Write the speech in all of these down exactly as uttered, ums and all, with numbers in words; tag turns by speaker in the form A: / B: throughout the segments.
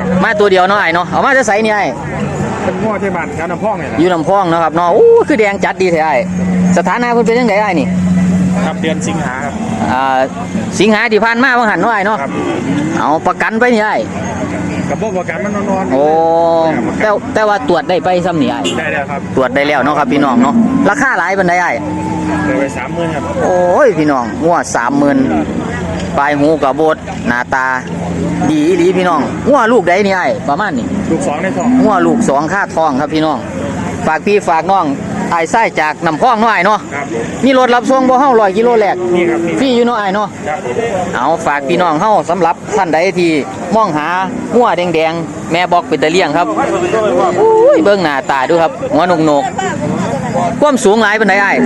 A: มาตัวเดียวเนาะไอ้เนาะเอามาจะใส่นี่ไอ้
B: เป็นง้อที่บ้านแถวน้ำพองเนี่ย
A: อยู่ลำพองนะครับเนาะโอ้คือแดงจัดดีแท้ไอ้สถานะเพิ่นเป็นยังไงไอ้นี่
B: ครับเดือนสิงหาครับ
A: อ่าสิงหาที่ผ่านมาบางหันเนาะไอ้เนาะเอาประกันไปนี่ไอ้
B: กับพวกประกันมันนอน
A: โอ้แต่แต่ว่าตรวจได้ไปซ้ำนี่ไอ้
B: ได้แล้วครับ
A: ตรวจได้แล้วเนาะครับพี่น้องเนาะราคาหลายปานใดไอ้
B: ได้ไปสามหมื่นครับ
A: โอ้ยพี่น้องงัวสามหมื่นปลายหูกับโบดหน้าตาดีอีหลีพี่น้องงัวลูกใดนี่ไอ้ประมาณนี้
B: ลูกสองในท้อง
A: งัวลูกสองค่าทองครับพี่น้องฝากพี่ฝากน้องไอ้ไส้จากน้ำพองน้อยเนาะมีรถรับส่งบ่เฮาร้อยกิโลแรกฟรีอยู่เนาะไอ้เนาะเอาฝากพี่น้องเฮาสำหรับท่านใดที่มองหางัวแดงๆแม่บอกเป็นตะเลี่ยงครับอุ้ยเบิ่งหน้าตาดูครับหัวนกนกความสูงหลายเป็นไดไอ้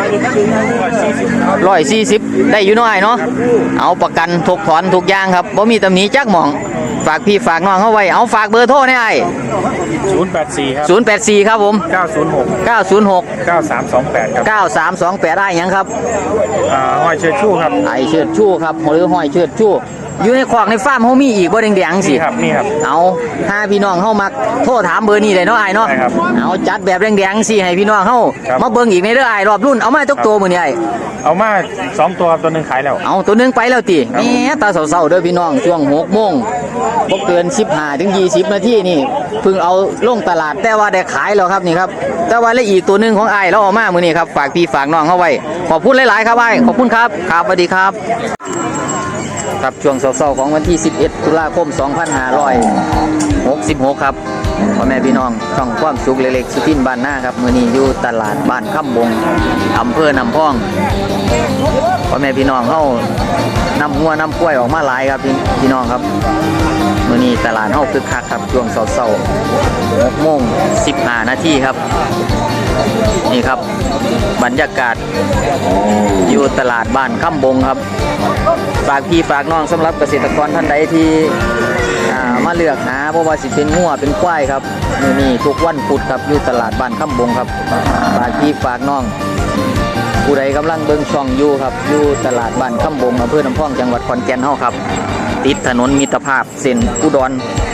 A: ร้อยสี่สิบได้อยู่เนาะไอ้เนาะเอาประกันทุกถอนทุกอย่างครับบ่มีตำหนิจักหม่องฝากพี่ฝากน้องเฮาไว้เอาฝากเบอร์โทรให้ไอ้
B: ศูนย์แปดสี่ครับ
A: ศูนย์แปดสี่ครับผม
B: เก้าศูนย์หก
A: เก้าศูนย์หก
B: เก้าสามสองแปดครับ
A: เก้าสามสองแปดได้ยังครับ
B: อ่าห้อยเชิดชู่ครับ
A: ไอเชิดชู่ครับหรือห้อยเชิดชู่อยู่ในขวากในฟาร์มเฮามีอีกบ่แดงๆสิ
B: ครับนี่ครับ
A: เอาถ้าพี่น้องเฮามักโทรถามเบอร์นี้ได้เนาะไอ้เนาะเอาจัดแบบแดงๆสิให้พี่น้องเฮามาเบิ่งอีกในเด้อไอ้รอบรุ่นเอามาทุกตัวมื้อนี้ไอ้
B: เอามาสองตัวตัวนึงขายแล้ว
A: เอาตัวนึงไปแล้วติแหมตาเศร้าๆเด้อพี่น้องช่วงหกโมงบ่เกินสิบห้าถึงยี่สิบนาทีนี่เพิ่งเอาลงตลาดแต่ว่าได้ขายแล้วครับนี่ครับแต่ว่าและอีกตัวนึงของไอ้เราเอามามื้อนี้ครับฝากพี่ฝากน้องเฮาไว้ขอบคุณหลายๆครับไอ้ขอบคุณครับครับสวัสดีครับครับช่วงเช้าๆของวันที่สิบเอ็ดตุลาคมสองพันห้าร้อยหกสิบหกครับพ่อแม่พี่น้องช่องความสุขเล็กๆสุทินบ้านหน้าครับมื้อนี้อยู่ตลาดบ้านค่ำบงอำเภอน้ำพองพ่อแม่พี่น้องเฮานำหัวนำกล้วยออกมาหลายครับพี่น้องครับมื้อนี้ตลาดเฮาคึกคักครับช่วงเช้าๆหกโมงสิบห้านาทีครับนี่ครับบรรยากาศอยู่ตลาดบ้านค่ำบงครับฝากพี่ฝากน้องสำหรับเกษตรกรท่านใดที่มาเลือกหาเพราะว่าสิเป็นงัวเป็นควายครับมื้อนี้ทุกวันพุธครับอยู่ตลาดบ้านค่ำบงครับฝากพี่ฝากน้องผู้ใดกำลังเบิ่งช่องอยู่ครับอยู่ตลาดบ้านค่ำบงอำเภอน้ำพองจังหวัดขอนแก่นเฮาครับติดถนนมิตรภาพเส้นอุดร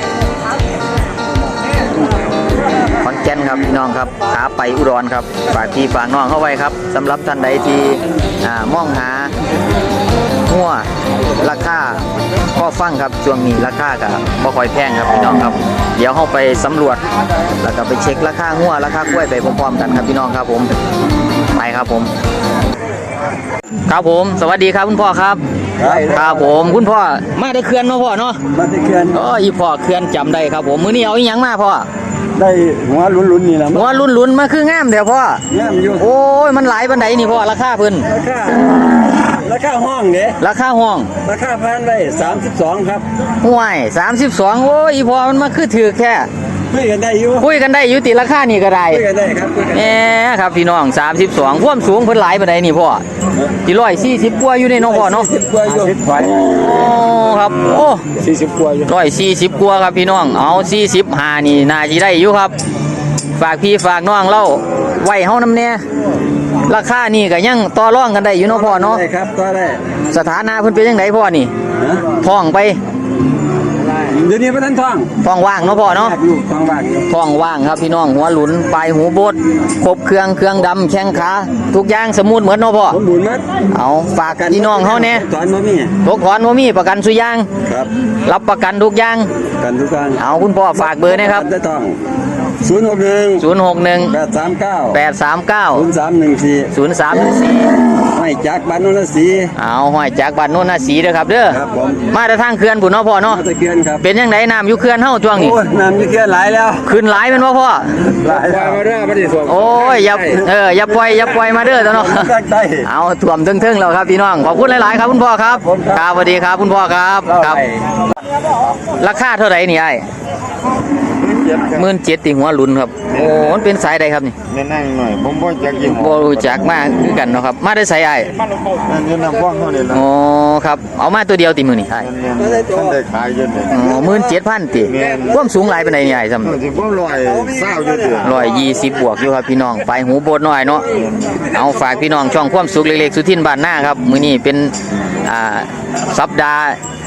A: ขอนแก่นครับพี่น้องครับขาไปอุดรครับฝากพี่ฝากน้องเข้าไว้ครับสำหรับท่านใดที่มองหาหัวราคาก็ฟังครับช่วงนี้ราคาก็บ่ค่อยแพงครับพี่น้องครับเดี๋ยวเข้าไปสำรวจแล้วก็ไปเช็คราคาหัวราคากล้วยไปพร้อมๆกันครับพี่น้องครับผมไปครับผมครับผมสวัสดีครับคุณพ่อครับครับผมคุณพ่อมาได้เขื่อนเนาะพ่อเนาะ
C: มาได้เขื่อน
A: อ๋ออีพ่อเขื่อนจำได้ครับผมมื้อนี้เอาอีหยังมาพ่อ
C: ได้หัวลุ้นๆนี่แหละ
A: หัวลุ้นๆมาคืองามเดี๋ยวพ่อง
C: ามอยู่
A: โอ้ยมันหลายบันไดนี่พ่อราคาเพิ่น
C: ราคาราคาห้องเนี่ย
A: ราคาห้อง
C: ราคาพันไว้สามสิบสองครับ
A: ห่วยสามสิบสองโอ้ยอีพ่อมันมาคือถือแค่
C: คุยกันได้อยู่
A: คุยกันได้อยู่ติราคานี่ก็ได้
C: คุยกันได้ครับ
A: แหมครับพี่น้องสามสิบสองความสูงเพิ่นหลายบันไดนี่พ่อที่ร้อยสี่สิบกว่าอยู่ในน้องพ่อเนาะ
C: สิบกว่าอยู่
A: โอ้ครับโอ้
C: สี่สิบกว่าอยู่
A: ร้อยสี่สิบกว่าครับพี่น้องเอาสี่สิบห้านี่น่าสิได้อยู่ครับฝากพี่ฝากน้องเล่าไว้เฮานำแน่ราคานี่ก็ยังต่อรองกันได้อยู่เนาะพ่อเนาะ
C: ได้ครับต่อได้
A: สถานะเพิ่นเป็นจังไดพ่อนี่ท้องไป
C: เดี๋ยวนี้บ่ทันท้อง
A: ท้องว่างเนาะพ่อเนาะ
C: ท้องว่าง
A: ท้องว่างครับพี่น้องหัวหลุนปลายหูโบดครบเครื่องเครื่องดำแข้งขาทุกอย่างสมูทเหมือนเนาะพ่อ
C: สมบูรณ์หมด
A: เอาฝากพี่น้องเฮาแน่
C: ถอนบ่มี
A: ตกถอนบ่มีประกันสุยาง
C: ครับ
A: รับประกันทุกอย่าง
C: กันทุกอย่าง
A: เอาคุณพ่อฝากเบอร์นะครับ
C: ได้ท้องศูนย์หกหนึ่ง
A: ศูนย์หกหนึ่ง
C: แปดสามเก้า
A: แปดสามเก้า
C: ศูนย์สามหนึ่งสี่
A: ศูนย์สามหนึ่งสี่
C: ห้อยจากบ้านโนนทศรี
A: เอาห้อยจากบ้านโนนทศรีเด้อครับเด้อ
C: ครับผม
A: มาแต่ทางเขื่อนพุ่นเนาะพ่อเนาะ
C: มาแต่เขื่อนครับ
A: เป็นจังไดน้ำอยู่เขื่อนเฮาช่วงนี้
C: โอ้ยน้ำอยู่เขื่อนหลายแล้ว
A: ขึ้นหลายแม่นบ่พ่อ
C: หลายแล้วมาเด้อมาดิสวม
A: โอ้ยอย่าเอออย่าปล่อยอย่าปล่อยมาเด้อเนาะเอาท่วมทึ่งๆแล้วครับพี่น้องขอบคุณหลายๆครับคุณพ่อครับครับสวัสดีครับคุณพ่อครับครับราคาเท่าไหร่นี่ไอ้หมื่นเจ็ดติหัวลุ้นครับโอ้มันเป็นสายใดครับนี่
B: แน่ๆหน่อยผมบ่จักยี่ห้อ
A: บ่รู้จักมากคือกันเนาะครับมาได้สายไอ้
B: นั่นอยู่น้ำพองเท่านี้ล่ะ
A: อ๋อครับเอามาตัวเดียวติมื้อนี่ไอ้
B: ท่านได้ขายอยู่นี่
A: อ๋อ หนึ่งหมื่นเจ็ดพัน ติความสูงหลายปานใดนี่ไอ้ซ้ำ
B: สิบ่ร้อยเศร้าอยู่ติ
A: หนึ่งร้อยยี่สิบบวกอยู่ครับพี่น้องปลายหูโบดน้อยเนาะเอาฝากพี่น้องช่องความสุขเล็กๆสุทินบ้านหน้าครับมื้อนี้เป็นอ่าสัปดาห์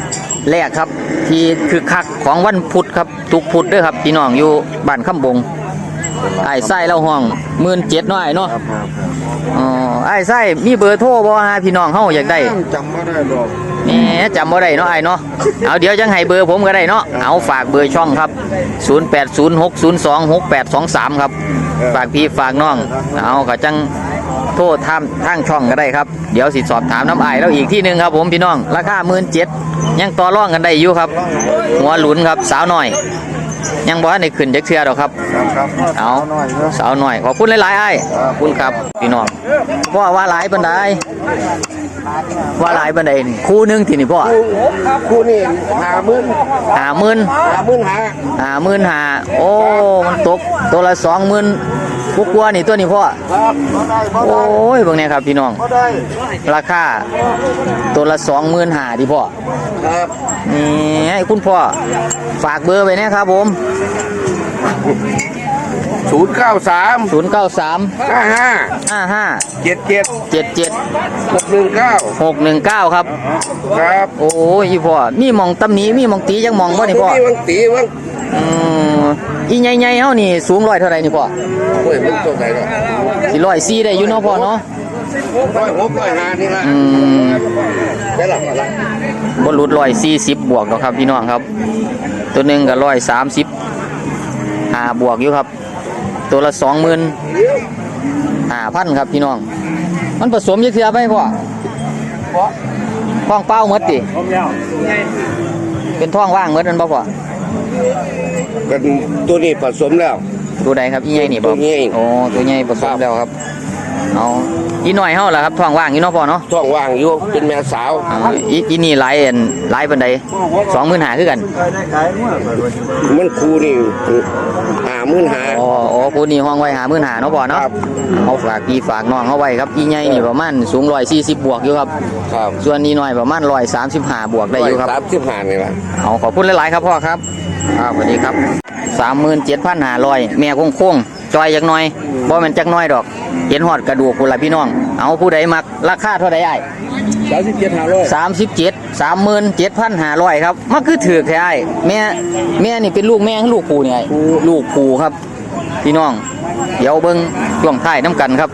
A: แรกครับที่คือคักของวันพุธครับทุกพุธเด้วยครับพี่น้องอยู่บ้านคำบงไอ้ไส้เล่าห้องหมื่นเจ็ดน้อยเนาะ
B: ครับครับ
A: อ๋อไอ้ไส้มีเบอร์โทรบ่ฮะพี่น้องเฮาอยากได้
B: จำไม่ได้หรอก
A: แหมจำบ่ได้เนาะไอ้เนาะเอาเดี๋ยวจังให้เบอร์ผมก็ได้เนาะเอาฝากเบอร์ช่องครับศูนย์ แปด ศูนย์ หก ศูนย์ สอง หก แปด สอง สามครับฝากพี่ฝากน้องเอาก็จังโทรทางทางช่องก็ได้ครับเดี๋ยวสิสอบถามน้ำไอ้แล้วอีกที่หนึงครับผมพี่น้องราคา หนึ่งหมื่นเจ็ดพัน ยังต่อรองกันได้อยู่ครับหัวหลุนครับสาวหน่อยยังบ่ทันได้ขึ้นจักเทื่อดอกครับ
B: ครับครับ
A: เอา
B: หน่อยเนอะ
A: สาวหน่อยขอบคุณหลายๆไอ้ขอบคุณครับพี่น้องพ่อว่าหลายปานใดว่าหลายปานใดนี่คู่หนึงที่นี่พ่อ
C: ครับคู่นี่หาหมื่น
A: ห้าหมื่น
C: หาหมื่นหา
A: ห้าหมื่นห้าโอ้มันตกตัวละสองหมื่นกกว่าๆนี่ตัวนี้พ่อ
C: ครับบ่ได้บ่
A: โอ
C: ได้
A: ้ยเบิ่งเนี่ยครับพี่น้อง
C: บ่ได้
A: ราคาตัวละสองหมื่นห้าดิพ่อ
C: ครับ
A: นี่ให้คุณพ่อฝากเบอร์ไว้นะครับผม
C: ศูนย์เก้าสาม
A: ศูนย์ เก้า สาม
C: ห้าห้า
A: ห้า ห้า
C: เจ็ดเจ็ด
A: เจ็ด เจ็ด
C: หกหนึ่งเก้า
A: หก หนึ่ง เก้าครับ
C: ครับ
A: โอ้ยอีพ่อมีหมองตำหนิมีหมองตีจังหมองบ่นี่พ่อ
C: มีวังตีวัง
A: อืมอีใหญ่ๆเฮานี่สูงร้อยเท่าไหร่นี่พ่อ
C: โอ้ยมันตัวไหนเนาะ
A: สิร้อยสี่ได้อยู่เนาะพ่อเนาะ
C: ร้อยหกร้อยห้านี่ละ
A: อืม
C: ได้หรอละ
A: บ่หลุดร้อยสี่สิบบวกดอกครับพี่น้องครับ ตัวหนึงก็ร้อยสามสิบห้าบวกอยู่ครับ ตัวละสองหมื่นห้าพันครับพี่น้อง มันผสมยักเทือไปพ่อท้องเป้าหมดติเป็นท้องว่างหมดนั่นบ่พ่อ
C: กันตัวนี้ผสมแล้ว
A: ตัวใดครับอีใหญ่นี่บ่
C: ตัวใหญ่
A: โอ้ตัวใหญ่ผสมแล้วครับเอาอีน้อยเฮาล่ะครับท้องว่างอีเนาะพ่อเนาะ
C: ท้องว่างอยู่เป็นแม่สาว
A: เอาอีอีนี่หลายอันหลายปานใดสองหมื่นห้าคือกัน
C: มันครูนี่หาหมื่นหา
A: อ๋ออ๋อผู้นี้ห้องไว้หาหมื่นห้าเนาะพ่อเนาะ
C: ครับ
A: เอาฝากพี่ฝากน้องเอาไว้ครับอีใหญ่นี่ประมาณสูงร้อยสี่สิบบวกอยู่ครับ
C: ครับ
A: ส่วนนี้น้อยประมาณร้อยสามสิบห้าบวกได้อยู่ครับ
C: สามสิบห้านี่ละ
A: เอาขอบคุณหลายๆครับพ่อครับครับสวัสดีครับสามหมื่นเจ็ดพันห้าร้อยแม่โค้งๆจอยจักหน่อยบ่แม่นจักหน่อยดอกเห็นหอดกระดูกพุ่นละพี่น้องเอาผู้ใดมักราคาเท่าใดอ้าย
C: สามสิบเจ็ดห้าร้อย
A: สามสิบเจ็ดสามหมื่นเจ็ดพันห้าร้อยครับมันคือถือแท้อ้ายแม่แม่นี่เป็นลูกแม่หรือลูกปู่เนี่ยอ้ายลูกปู่ครับ พี่น้อง เดี๋ยวเบิ้งช่วงท้ายน้ำกันครับ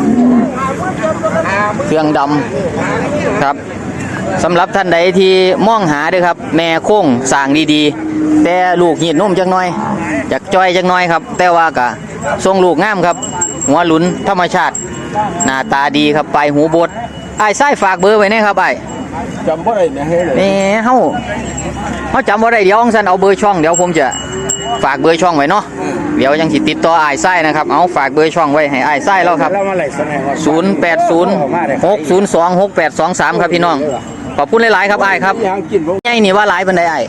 A: เครื่องดำครับสำหรับท่านใดที่มองหาเด้วยครับ แม่โค้งสร้างดีๆ แต่ลูกหีดนุ่มจักหน่อยอยากจ้อยจักหน่อยครับ แต่ว่ากะทรงลูกงามครับ หัวหลุนธรรมชาติ หน้าตาดีครับปลายหูบดไอ้ไส้ฝากเบอร์ไว้แนะครับไอ้
C: จำบ่ได้เนี่ยให้เลย
A: นี่เฮาเฮาจำบ่ได้เดี๋ยวองซันเอาเบอร์ช่องเดี๋ยวผมจะฝากเบอร์ช่องไว้เนาะเดี๋ยวยังสิติดต่อไอ้ไส้นะครับเอาฝากเบอร์ช่องไว้ให้ไอ้ไส้แล้วครับ
C: แล้วมาไหลสมัยก่อน
A: ศูนย์ แปด ศูนย์ หก ศูนย์ สอง หก แปด สอง สามครับพี่น้องขอบคุณหลายๆครับไอ้ครับ
C: ยังกินบ่
A: ใหญ่นี่ว่าหลายปานใดไอ้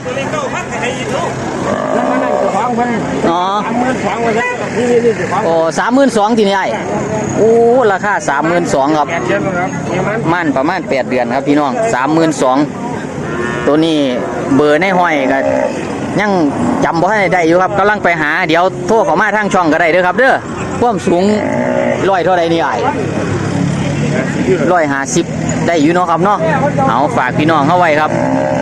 C: นั่นนั่นจะฟังเพิ่น
A: อ๋อ
C: สามหมื่นฟังไว้ซะนี่นี่นี่จะฟัง
A: โอ้สามหมื่นสองทีนี่ไอ้โอ้ราคาสามหมื่นสองครับ
C: แปดเจ็ดครับเนี่ยมัน
A: มั่นประมาณแปดเดือนครับพี่น้องสามหมื่นสองตัวนี้เบอร์ในห้อยก็ยังจำบ่ให้ได้อยู่ครับกำลังไปหาเดี๋ยวโทรเข้ามาทางช่องก็ได้เด้อครับเด้อความสูงร้อยเท่าใดนี่ไอ้ร้อยห้าสิบได้อยู่เนาะครับเนาะเอาฝากพี่น้องเข้าไว้ครับ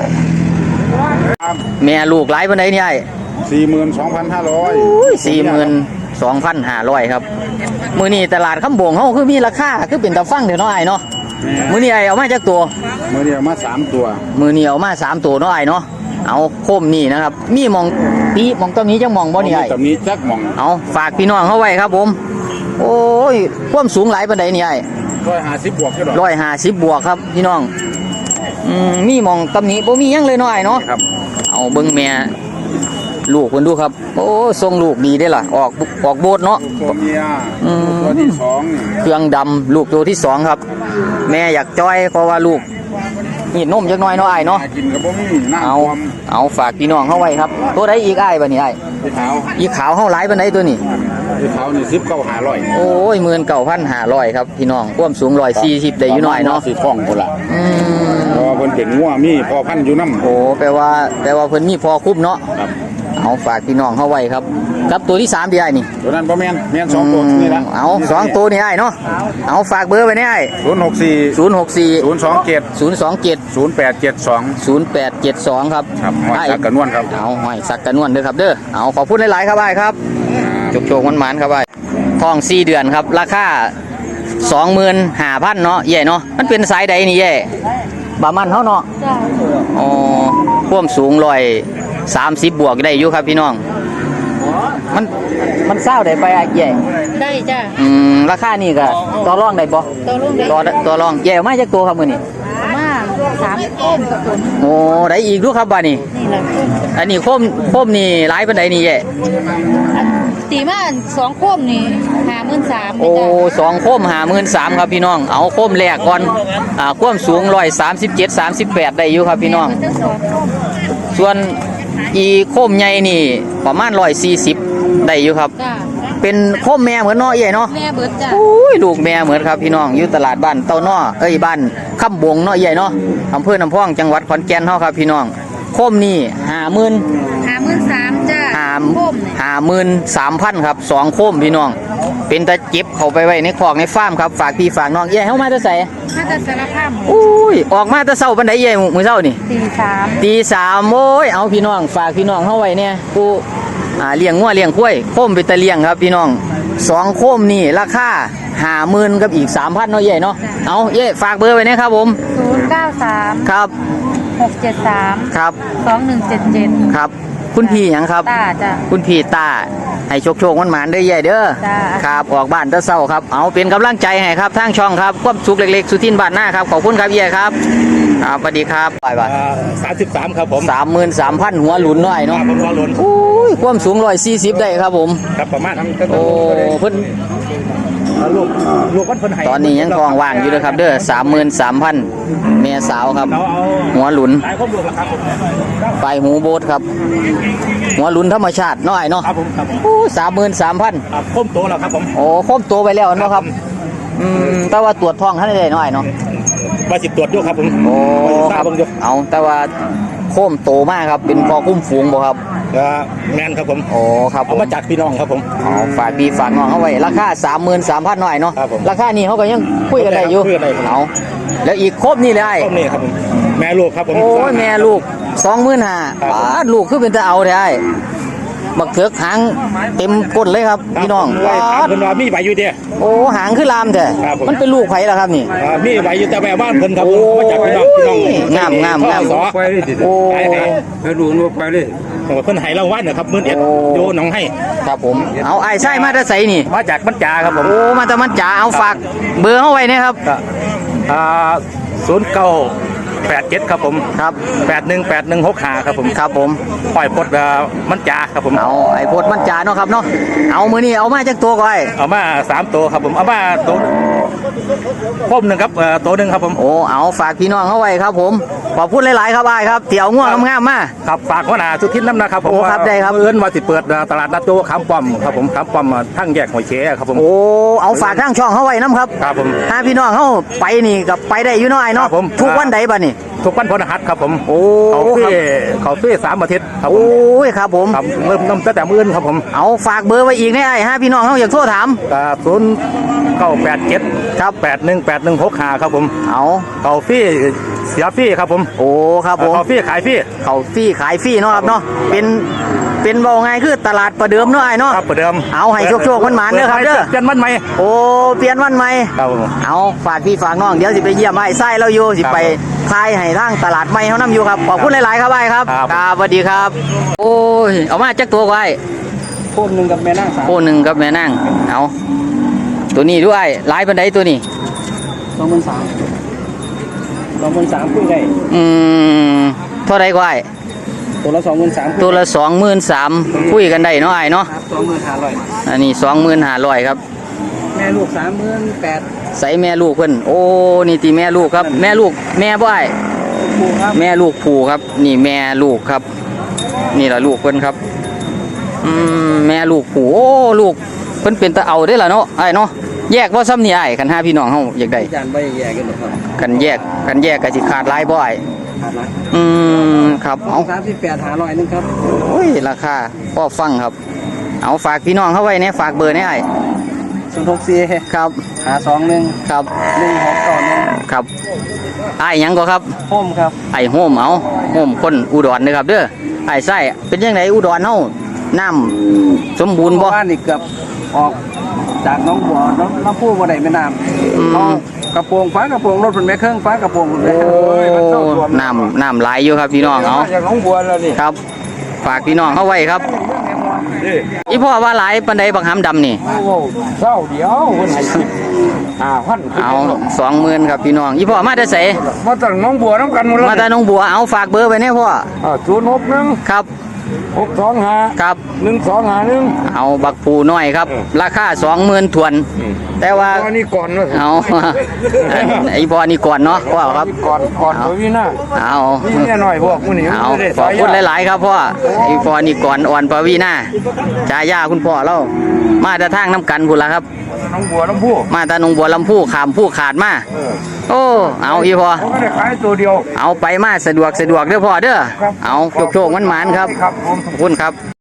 A: แม่ลูกหลายปานใดนี่ไอ้
B: สี่หมื่นสองพันห้าร้อย
A: สี่หมื่นสองพันห้าร้อยครับมื้อนี้ตลาดคำโบงเฮาคือมีราคาคือเป็นตาฟังเด้อเนาะไอ้เนาะมื้อนี้ไอ้เอามาจากตัว
B: เมื่อเดียวมาสามตัว
A: มือเหนียวมาสามตัวเนาะไอ้เนาะเอาโคมนี่นะครับ มีหมองปีหมองตัวนี้จังหมองบ่นี่ไอ้
B: ตำนี้จักหมอง
A: เอาฝากพี่น้องเข้าไว้ครับผม โอ้ยความสูงหลายปานใดนี่ไอ้
B: ร้อยห้าสิบบวกก็ดอก
A: ร้อยห้าสิบบวกครับพี่น้องอืมมีหมองตำหนิบ่มีหยังเลยเนาะไอ้เนาะ
B: ครับ
A: เอาเบิ่งแม่ลูกเพิ่นดูครับ โอ้ทรงลูกดีได้อล่ะออกออกโบดเนาะ
B: ตัวเมีย
A: อืม
B: ตัวที่สองนี่
A: เครื่องดำลูกตัวที่สองครับ แม่อยากจ้อยเพราะว่าลูกนี่นมจักหน่อยเนาะไอ้เนาะ
B: หากินกับบ่มีหน้า
A: เอา
B: ความ
A: เอาฝากพี่น้องเข้าไว้ครับ ตัวใดอีกอ้ายบัดนี้อ้าย
B: ที่ขาว
A: อีขาวเฮาหลายปานใดตัวนี้
B: ที่ขาวนี่สิบเก้าหาร้อย
A: โอ้ยหมื่นเก้าพันห้าร้อยครับพี่น้องความสูงร้อยสี่สิบได้อยู่หน่อยเนาะ
B: สิฟ้องพุ่นล่ะ
A: อืม
B: เพราะว่าเพิ่นเป็นงัวมีพอพันธุ์อยู่นำ
A: โอ้แปลว่าแปลว่าเพิ่นมีพอคุ้มเนาะ
B: ครับ
A: เอาฝากพี่น้องเข้าไว้ครับกับตัวที่สามดีไอ้นี่
B: ตัวนั้นบ่แม่นแม่นสองตัวนี่ละ
A: เอาสองตัวนี่ไอ้เนาะเอาฝากเบอร์ไว้เนี่ยไอ้
B: ศูนย์หกสี่
A: ศูนย์หกสี่
B: ศูนย์สองเจ็ด
A: ศูนย์สองเจ็ด
B: ศูนย์แปดเจ็ดสอง
A: ศูนย์แปดเจ็ดสองครับ
B: ครับหอยสักกระนวลครับ
A: เอาหอยสักกระนวลเด้อครับเด้อเอาขอพูดหลายๆครับไอ้ครับจกโจกมันๆครับไอ้ทองสี่เดือนครับราคาสองหมื่นห้าพันเนาะใหญ่เนาะมันเป็นสายใดนี่ใหญ่บามันเท่าเนาะ
D: จ้า
A: อ๋อความสูงร้อยสามสิบบวกได้อยู่ครับพี่น้องมันมันเศร้าได้ไปไอ้ใหญ่
D: ได้จ้า
A: อืมราคานี่ก็ต่อรองได้บ่
D: ตัวลุงได้
A: ต่อต่อรองใหญ่มาจากตัวครับมื้อนี้
D: มาสามต้นกับผม
A: โอ้ได้อีกดูครับบ้านี้
D: นี่แหละ
A: อันนี้โคมโคมนี่หลายปานใดนี่ใหญ่
D: ตีมาสองโคมนี่หาหมื่นสาม
A: โอ้สองโคมหาหมื่นสามครับพี่น้องเอาโคมแรกก่อนอ่าความสูงร้อยสามสิบเจ็ดสามสิบแปดได้อยู่ครับพี่น้อง
D: ทั้งสองโคม
A: ส่วนอีโคมใหญ่นี่ประมาณร้อยสี่สิบได้อยู่ครับ
D: จ้า
A: เป็นโคมแม่เหมือนเนาะใหญ่เนาะ
D: แม่เบิดจ้า
A: โอ้ยลูกแม่เหมือนครับพี่น้องอยู่ตลาดบ้านเต้าน้อเอ้ยบ้านคำบงเนาะใหญ่เนาะอำเภอน้ำพองจังหวัดขอนแก่นเฮาครับพี่น้องโคมนี่ห้าหมื่น
D: หาหมื่นสามจ้า
A: ห้า
D: โคมเนี่ย
A: ห้าหมื่นสามพันครับสองโคมพี่น้อง เป็นตะเจ็บเข้าไปไว้ในคอกในฟาร์มครับฝากพี่ฝากน้องเอ้ยเฮามาจะใส่
D: ถ้าจะสารภาพ
A: โอ้ยออกมาแตะเช้าปานใดเอ้ยมื้อเช้านี่
D: ตีสาม
A: ตีสามโอ้ยเอาพี่น้องฝากพี่น้องเฮาไว้เนี่ยกูอ่าเลี้ยงงัวเลี้ยงกล้วยโคมไปตะเลี้ยงครับพี่น้องสองโคมนี่ราคาห้าหมื่นกับอีกสามพันเนาะเย่เนาะเอาเย่ฝากเบอร์ไว้นะครับผม
D: ศูนย์เก้าสาม
A: ครับ
D: หกเจ็ดสาม
A: ครับ
D: สองหนึ่งเจ็ดเจ็ด
A: ครับคุณพี่หยังครับ
D: ตาจ้า
A: คุณพี่ตาให้โชคโชคมันหมานๆเด้อเย่เด้อ
D: จ้า
A: ครับออกบ้านแตะเช้าครับเอาเป็นกำลังใจให้ครับทางช่องครับความสุขเล็กๆสุทินบ้านหน้าครับขอบคุณครับเย่ครับครับสวัสดีครับบายบาย
C: สามสิบสามครับผม
A: สามหมื่นสามพันหัวหลุนหน่อยเนาะ
C: ผมรอลุ้น
A: โอ้ยความสูงร้อยสี่สิบได้ครับผม
C: ครับประมาณ
A: โอ้เพิ่น
C: ลูกลูกวันเพิ่นให้
A: ตอนนี้ยังทองว่างอยู่เลยครับเด้อสามหมื่นสามพันเมียสาวครับ
C: เราเอา
A: หัวหลุน
C: หลายคนลูกละครับผม
A: ปลายหูโบดครับ หัวหลุนธรรมชาติน้อยเนาะ
C: ครับผมครับผม
A: โอ้สามหมื่นสามพัน
C: ครับคมโตแล้วครับผม
A: โอ้ครบตัวไปแล้วเนาะครับอืมแต่ว่าตรวจท้องท่านได้น้อยเนาะ
C: มาสิบตรวจด้วยครับผม
A: โอ้
C: ท
A: ค
C: รา
A: รั
C: บบ เบิ่งอยู่
A: เอาแต่ว่าโค้มโตมากครับเป็นพอคุ้มฝูงบ่ครับ
C: ก็แมนครับผม
A: โอ้ครับผ
C: เอา
A: ม
C: มาจากพี่น้องครับผม
A: อ๋อฝากพี่ฝากน้องเขาไว้ราคาสามหมื่นสามพันหน่อยเนาะ
C: ครับผม
A: ราคานี้เขาก็ยังคุยกันได้อยู่
C: คุยกันได้ครับ
A: เอาแล้วอีกครบนี่เลยไอ้
C: ต้นนี่ครับผมแม่ลูกครับผม
A: โอ้ยแม่ลูกสองหมื่นห้า
C: ครับ
A: ป้าดลูกคือเป็นตาเอาได้ไอ้บักเถือกหางเต็มก้นเลยครับพี่น้อง
C: ว่า
A: ป้าด
C: เพิ่นว่ามีใบอยู่เดีย
A: โอ้หางคือลามแท้
C: ครับผม
A: มันเป็นลูกไผ่ล่ะครับนี่
C: อ่ามีใบอยู่แต่แม่บ้านเพิ่นครับผม
A: โอ้
C: มาจากพี่น้องพี่น้อง
A: งามงามงาม
C: สอ
B: ไปเลยดิ
A: โอ้
C: ไปไป
B: ไปดูนวไปเลย
C: เพิ่นให้รางวัลนะครับหมื่นเอ็ด
A: โอ้
C: โยหนองให้
A: ครับผมเอาไอ้ไส้มาแตะใสนี่
C: มาจากบัญจาครับผม
A: โอ้มาแต่มันจ๋าเอาฝากเบอร์เขาไว้เนี่ยครับ
C: ก็อ่าศูนย์เก้าแปดเจ็ดครับผม
A: ครับ
C: แปดหนึ่งแปดหนึ่งหกห้าครับผม
A: ครับผม
C: ปล่อยพดเอ่อมันจาครับผม
A: เอาไอ้โพดมันจ๋าเนาะครับเนาะเอามือนี่เอามาจากตัวก่อนไอ้
C: เอามาสามตัวครับผมเอามาตัวพมหนึ่งครับเอ่อตัวหนึ่งครับผม
A: โอ้เอาฝากพี่น้องเขาไว้ครับผมขอบคุณหลายๆครับไอ้ครับเตี๋ยวง่วงงามๆมา
C: ครับฝากหัวหน้าสุทินน้ำนะครับผม
A: โอ้ครับได้ครับ
C: เอื้อนว่าสิเปิดตลาดนัดโจขามป้อมครับผมขามป้อมทั้งแยกหัวเชครับผม
A: โอ้เอาฝากทางช่องเขาไว้น้ำครับ
C: ครับผม
A: ถ้าพี่น้องเขาไปนี่กับไปได้อยู่น้อยเนาะ
C: ครับผม
A: ทุกวันใดบ่นี่
C: ทุกวันพฤหัสครับผม
A: โอ้
C: เขาเฟ่
A: ครับ
C: เขาเฟ่สามอาทิตย์ครับผ
A: โอ้
C: ม
A: ยครับผม
C: ครับเริ่มน้ำตั้งแต่มื้อนครับผม
A: เอาฝากเบอร์ไว้อีกนะไอ้ฮะพี่น้องเขาอยากโทรถาม
C: ศูนย์เก้าแปดเจ็ดครับแปดหนึ่งแปดหนึ่งหกห้าครับผม
A: เอา
C: เขาฟรี่เสียฟรี่ครับผม
A: โอ้ครับผม
C: เขาฟรี่ขายฟรี่
A: เขาฟรีขายฟรีเนาะครับเนาะเป็นเป็นเบาไงคือตลาดประเดิมเนาะไอ้เนาะ
C: ครับประเดิม
A: เอาให้โชคๆมันหมานเด้อครับเด้อ
C: เปลี่ยนมันไหม
A: โอ้เปลี่ยนวันใหม่
C: ครับผม
A: เอาฝากพี่ฝากน้องเดี๋ยวสิไปเยี่ยมไอ้ไส้เราอยู่สิ
C: ครับ
A: ไปทายให้ทางตลาดใหม่เขานํอยู่ครับขอบคุณหลายๆครับไอ้ครับ
C: ครับ
A: ครับสวัสดีครับ โอ้ยเอามาจักตัวไว้
B: โคมหนึ่งกับแม่นางสาม
A: โอ้หนึ่งกับแม่นั่งเอาตัวนี้ด้วยหลายปันไดตัวนี้
B: สองหมื่นสามสองหมื่นสามคุยได้
A: อืมเท่าไรก็ไอ้
B: ตัวละสองหมื่นสาม
A: ตัวละสองหมื่นสามคุยกันได้เนาะไอ้เนาะ
B: สองหมื่นห้าร้อย
A: อันนี้สองหมื่นห้าร้อยครับ
B: แม่ลูกสามหมื่นแปด
A: ใส่แม่ลูกเพิ่นโอ้นี่ตีแม่ลูกครับ แม่ลูกแม่บ่ไอ้
B: ปูครับ
A: แม่ลูกผูครับ นี่แม่ลูกครับ นี่แหละลูกเพิ่นครับอืมแม่ลูกผูโอ้ลูกเพิ่นเป็นตะเอาได้อล่ะเนาะไอ้เนาะแยกว่าซ้ำนี่ไอ้คันห้าพี่น้องเฮาอยากได้
B: จานใบแย่กันหมดครับ
A: กันแยกกันแยกก็สิขาดหลายบ่ไอ้
B: ขาดหลาย
A: อืมครับเอา
B: สามสิบแปดหาร้อยนึงครับ
A: โอ้ยราคาพ่อฟังครับ เอาฝากพี่น้องเข้าไว้เนี่ยฝากเบอร์เนี่ยไอ้
B: ศูนย์หกสี่
A: ครับ
B: หาสองหนึ่ง
A: ครับ
B: หนึ่งหกต่อหนึ่ง
A: ครับไอ้หยังก็ครับ
B: โฮมครับ
A: ไอ้โฮมเอาโฮมคนอุดรนะครับเด้อไอ้ไส้เป็นยังไงอุดรเฮาน้ำสมบูรณ์บ่
B: บ้านนี่เกือบออกจากน้องบัวน้องน้ำพุบ่ได้แม่น้
A: อืม
B: ำเอากระโปรงฟ้ากระโปรงรถเป็นแม่เครื่องฟ้ากระโปรงเป็นแม่
A: โอ้
B: เครื่อง
A: น้ำน้ำไหลอยู่ครับพี่น้องเอา
C: จากน้องบัวแล้วนี่
A: ครับ ฝากพี่น้องเข้าไว้ครับอีพ่อว่าหลายปันใดบักหำดำนี่
C: โอ้เศร้าเดียวคนให้สิบห้าพัน
A: เอาสองหมื่นครับพี่น้องอีพ่อมาแต่ไส
C: มาจากน้องบัวน้ำกันหมดแล้ว
A: มาแต่หนองบัวเอาฝากเบอร์ไว้เนี่ยพ่อ
C: ศูนย์หกหนึ่ง
A: ครับ
C: หกสองห้า
A: ครับ
C: หนึ่งสองห้าหนึ่ง
A: เอาบักปูน้อยครับ ราคาสองหมื่นถวน แต่ว่า
C: ตอนนี้ก่อนว่า
A: เอา ไอ้พ่อนี่ก่อนเนาะพ่อครับ
C: ก่อนก่อนตัววินา
A: เอา
C: นี่เนี่ยหน่อยพวกมึงนี่
A: เอาขอบคุณหลาย ๆ ครับพ่อไอ้พ่อนี่ก่อนอ่อนปวีนาจายาคุณพ่อเรามาแต่ทางน้ำกันพุ่นละครับ
C: น้องบัวน้องผู้
A: มาแต่หนองบัวลำพูขามผู้ขาดมาโอ้เอาอีพ่อ
C: เขาก็ได้ขายตัวเดียว
A: เอาไปมาสะดวกสะดวกเด้อพ่อเด้อเอาโชคโชคมันหมานๆครับ
C: ครับผม
A: ขอบคุณครับ